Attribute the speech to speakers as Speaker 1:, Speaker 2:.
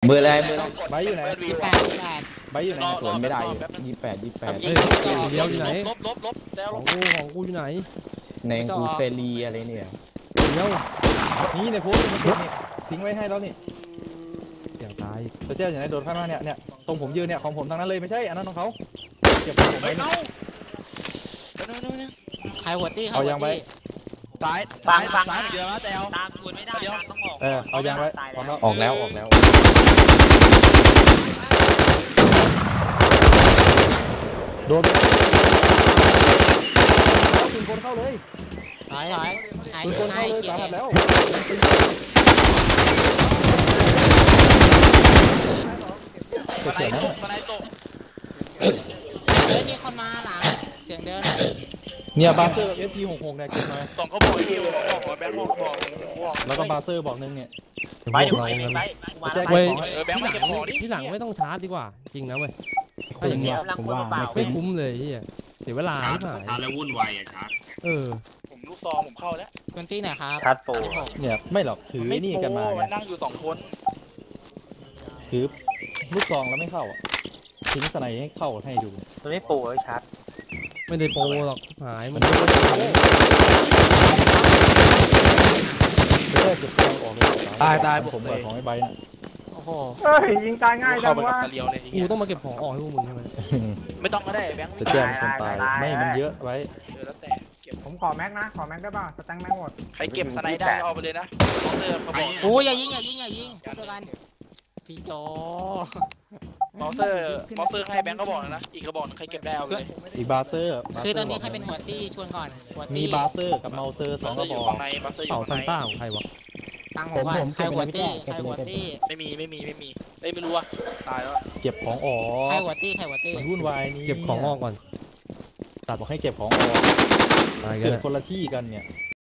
Speaker 1: เบอร์อะไร
Speaker 2: ใบอยู่ไหนใบอยู่ไหน
Speaker 1: สวนไม่ได้28
Speaker 3: เฮ้ยเดียวอยู่ไหนของกูอยู่ไหน
Speaker 1: ในกูเซรีอะไรเนี่ย
Speaker 3: เดียว
Speaker 2: นี่ในพูดนี่ทิ้งไว้ให้แล้วนี่
Speaker 3: อย่างตาย
Speaker 2: เจ้าอย่างไรโดนข้างหน้าเนี่ยตรงผมยืนเนี่ยของผมทางนั้นเลยไม่ใช่อันนั้นของเขาเก็บของผมไว้
Speaker 4: ใครหัวตี้
Speaker 2: เอายางไว้
Speaker 5: ซ้ายเดี๋ยวนะแตว
Speaker 4: ตามชวนไม่ได้ต้องออก
Speaker 2: เอายางไว้
Speaker 1: ออกแล้ว
Speaker 2: โดนคุณคนเข้าเลย
Speaker 4: ถอย
Speaker 2: คุณคนเข้าเลยสาหัสแล้ว
Speaker 5: สไนตก
Speaker 4: มีคนมาหลังเสียงเดิน
Speaker 2: เนี่ยบาเซอร์ FP66เนี่ยเก็บมา
Speaker 5: ส่งเขาบอกที่บอกแบงค์บอก
Speaker 2: แล้วก็บาเซอร์บอกนึงเนี่ย
Speaker 4: ไป
Speaker 5: แบงค์มาเก็บของ
Speaker 3: ที่หลังไม่ต้องชาร์จดีกว่าจริงนะเว้ยถ้าอย่างเงี้ยผมว่าไม่คุ้มเลยที่เสียเวลาที่ผ่าน
Speaker 6: ชาร์จแล้ววุ่นวายชาร์จ
Speaker 5: ผมลูกซองผมเข้าแล้ว
Speaker 4: คนที่ไหนครับ
Speaker 2: ชาร์จโปรเนี่ยไม่หรอกถือนี่กันมา
Speaker 5: นั่งอยู่2คน
Speaker 2: ถือลูกซองแล้วไม่เข้าทิ้งสไนให้เข้าให้ดู
Speaker 4: มันไม่โปรเลยชาร์จ
Speaker 3: ไม่ได้โปรหรอกหายมัน
Speaker 2: เก็บของออกเลยตายผมเปิดของไอ้ใบน่ะ
Speaker 4: โอ้โห
Speaker 7: ยิงตายง่ายจังวะ
Speaker 3: กูต้องมาเก็บของออกให้พวกมึงใช่ไหม
Speaker 5: ไม่ต้องก็ได้แบงค์
Speaker 2: จะแจ้งคนตายไม่มันเยอะไว้
Speaker 5: แล้วแต่เก็บ
Speaker 7: ผมขอแม็กนะขอแม็กได้ป่ะสแต็งแม็กหมด
Speaker 5: ใครเก็บสไนได้เอาไปเลยนะเขาบอก
Speaker 4: โอ้ยอย่ายิงเจอกันพี่โจ
Speaker 5: มอเซอร์ให้แบงค์ก็บอกนะอีกกระบอกใครเก็บได้เอาเลย
Speaker 2: อีบาเซอร์
Speaker 4: คือตอนนี้ใครเป็นหัวตี้ชวนก่อน
Speaker 2: มีบาเซอร์กับเมาเซอร์2กระบอก
Speaker 3: เป่าซันต้าของใครวะ
Speaker 4: ตังผมใครหัวตี้
Speaker 5: ไม่ไม่รู้ว่าตายแล้ว
Speaker 2: เก็บของออก
Speaker 4: ใครหัวตี้
Speaker 2: มันวุ่นวายนี่
Speaker 3: เก็บของออกก่อน
Speaker 2: ตัดบอกให้เก็บของออกเกิดคนละที่กันเนี่ย